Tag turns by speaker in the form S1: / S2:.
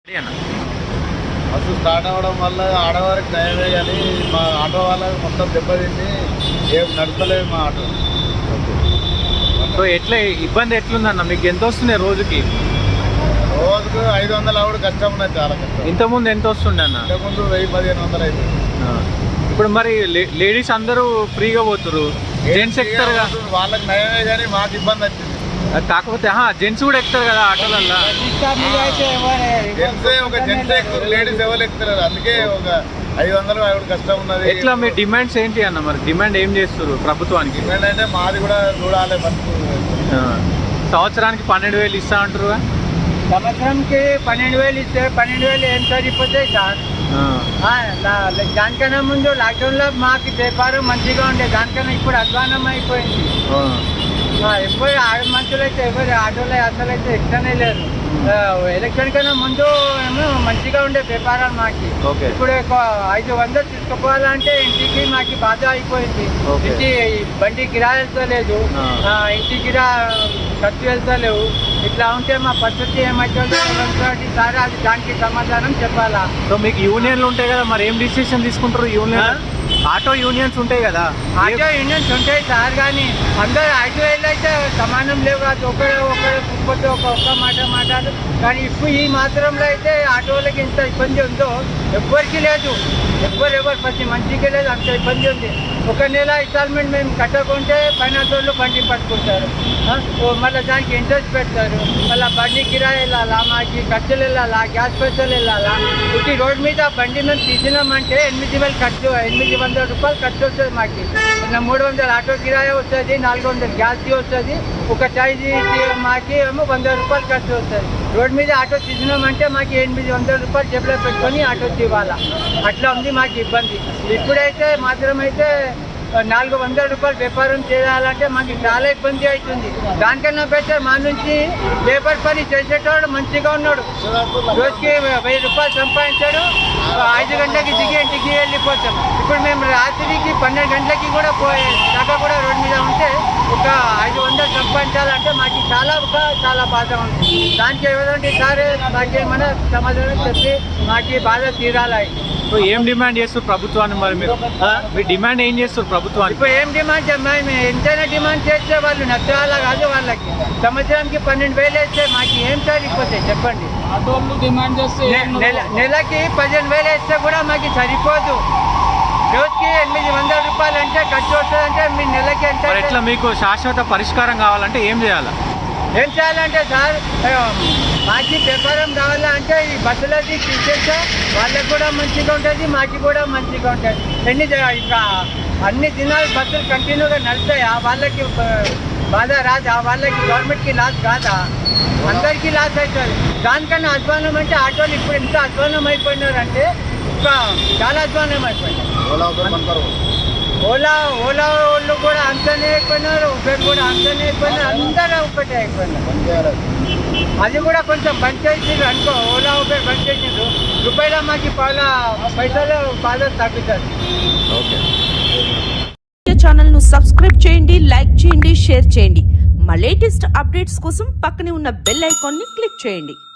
S1: Bus start అవ్వడం వల్ల ఆడవారికి నయమే కానీ మా ఆటో వాళ్ళకి మొత్తం దెబ్బతింది, ఏం నడపలేదు మా ఆటో.
S2: సో ఎట్లా ఇబ్బంది ఎట్లుందన్న? మీకు ఎంత వస్తుంది రోజుకి?
S1: రోజుకు 500 ఆవిడ కష్టం ఉన్నది, చాలా కష్టం.
S2: ఇంతకుముందు ఎంత వస్తుండే అన్న?
S1: ఇంతకుముందు 1000-1500 అవుతుంది.
S2: ఇప్పుడు మరి లేడీస్ అందరూ ఫ్రీగా పోతురు, జెంట్స్ ఎక్కుతారు కదా,
S1: వాళ్ళకి నయమే కానీ మాకు ఇబ్బంది వచ్చింది.
S2: కాకపోతే జెంట్స్ కూడా ఎక్కుతారు కదా ఆటోలల్లో.
S1: జెంట్స్ ఎక్కుతారు, లేడీస్ ఎవరు ఎక్కుతారు. అందుకే ఒక 500 ఆవిడ కష్టం ఉన్నది.
S2: ఎట్లా మీ డిమాండ్స్ ఏంటి అన్న? మరి డిమాండ్ ఏం చేస్తారు ప్రభుత్వానికి?
S1: డిమాండ్ అంటే మాది కూడా చూడాలి.
S2: సంవత్సరానికి 12,000 ఇస్తా అంటారు.
S3: సంవత్సరంకి 12,000 ఇస్తే 12,000 ఏం సరిపోతాయి సార్? దానికన్నా ముందు లాక్డౌన్లో మాకు వ్యాపారం మంచిగా ఉండే, దానికన్నా ఇప్పుడు అధ్వానం అయిపోయింది. ఎప్పుడు ఆడ మనుషులు అయితే ఎవరు ఆటోలో అసలు అయితే ఇష్టమే లేదు. ఎలక్షన్ కన్నా ముందు ఏమో మంచిగా ఉండే వ్యాపారాలు మాకి. ఇప్పుడు 500 తీసుకుపోవాలంటే ఇంటికి మాకు బాధ అయిపోయింది. ఇంటి బండి కిరాయి వెళ్తలేదు, ఇంటి కిరా ఖర్చు వెళ్తలేవు. ఇట్లా ఉంటే మా పరిస్థితి ఏమవుతుందో సార్, అది దానికి సమాధానం చెప్పాలా.
S2: సో మీకు యూనియన్లు ఉంటాయి కదా, మరి ఏం డిసిషన్ తీసుకుంటారు? యూనియన్ ఆటో యూనియన్స్ ఉంటాయి కదా.
S3: ఆటో యూనియన్స్ ఉంటాయి సార్, కానీ అందరూ 5,000 అయితే సమానం లేవు కాదు. ఒకటి ఒక్క మాట మాట్లాడు. కానీ ఇప్పుడు ఈ మాత్రంలో అయితే ఆటోలకి ఎంత ఇబ్బంది ఉందో ఎవ్వరికి లేదు. ఎవరు ప్రతి మంచిగా లేదు, అంత ఇబ్బంది ఉంది. ఒక నెల ఇన్స్టాల్మెంట్ మేము కట్టకుంటే ఫైనాన్స్ వాళ్ళు బండి పట్టుకుంటారు, మళ్ళీ దానికి ఇంట్రెస్ట్ పెడతారు. మళ్ళీ బండి కిరాయి వెళ్ళాలా, మాకు ఖర్చులు వెళ్ళాలా, గ్యాస్ పైసలు వెళ్ళాలా. ఇప్పుడు రోడ్డు మీద బండి మేము తీసినామంటే 8,000 ఖర్చు, 800 రూపాయలు ఖర్చు వస్తుంది మాకు. 300 ఆటో కిరాయి వస్తుంది, 400 గ్యాస్కి వస్తుంది, ఒక చాయ్ మాకి ఏమో 100 రూపాయలు ఖర్చు వస్తుంది. రోడ్డు మీద ఆటో తీసినామంటే మాకు 800 రూపాయలు జేబులో పెట్టుకొని ఆటో తీవాలా. అట్లా ఉంది మాకు ఇబ్బంది. ఇప్పుడైతే మాత్రమైతే 400 రూపాయలు వ్యాపారం చేయాలంటే మాకు చాలా ఇబ్బంది అవుతుంది. దానికన్నా బెటర్ మా నుంచి లేబర్ పని చేసేటోడు మంచిగా ఉన్నాడు, రోజుకి 1000 రూపాయలు సంపాదించాడు, 5 గంటలకి దిగి ఇంటికి వెళ్ళిపోతాం. ఇప్పుడు మేము రాత్రికి 12 గంటలకి కూడా దాకా కూడా రోడ్డు మీద ఉంటే ఒక 500 సంపాదించాలంటే మాకు చాలా బాధ ఉంది. దానికి ఏదంటే సార్ మాకు ఏమైనా సమాధానం చెప్పి మాకు బాధ తీరాలి.
S2: ఏం డిమాండ్ చేస్తారు ప్రభుత్వాన్ని? మరి మీరు మీ డిమాండ్ ఏం చేస్తారు ప్రభుత్వానికి?
S3: ఇప్పుడు ఏం డిమాండ్ మేము ఎంతైనా డిమాండ్ చేస్తే వాళ్ళు నచ్చాలా కాదు. వాళ్ళకి సంవత్సరానికి 12,000 వేస్తే మాకు ఏం సరిపోతాయి చెప్పండి?
S4: డిమాండ్ చేస్తే
S3: నెలకి 15,000 వేస్తే కూడా మాకు సరిపోదు. రోజుకి 800 రూపాయలు అంటే ఖర్చు వస్తుందంటే మీ నెలకి ఎంత?
S2: ఎట్లా మీకు శాశ్వత పరిష్కారం కావాలంటే ఏం చేయాలి?
S3: ఏం చేయాలంటే సార్, మాకు వ్యాపారం కావాలంటే ఈ బస్సులది తీసేస్తే వాళ్ళకి కూడా మంచిగా ఉంటుంది, మాకు కూడా మంచిగా ఉంటుంది. అన్ని దినాలు బస్సులు కంటిన్యూగా నడుస్తాయా? వాళ్ళకి బాధ రాదా? వాళ్ళకి గవర్నమెంట్కి లాస్ కాదా? అందరికీ లాస్ అవుతుంది. దానికన్నా అధ్వానం అంటే ఆటోలు ఇప్పుడు ఎంత అధ్వానం అయిపోయినారంటే చాలా అధ్వానం అయిపోయినారు. ఓలా వాళ్ళు కూడా అంతనే అయిపోయినారు, ఉబేర్ కూడా అంతనే అయిపోయినారు, అందరూ ఒకటే అయిపోయినారు. అది కూడా కొంచెం బంద్ చేసిండ్రు అనుకో, ఓలా ఉబేర్ బంద్ చేసిండ్రు, రూపాయల మాకు పైసలు బాగా తగ్గుతుంది.
S5: ఛానల్ ను సబ్స్క్రైబ్ చేయండి, లైక్ చేయండి, షేర్ చేయండి. మా లేటెస్ట్ అప్డేట్స్ కోసం పక్కనే ఉన్న బెల్ ఐకాన్ ని క్లిక్ చేయండి.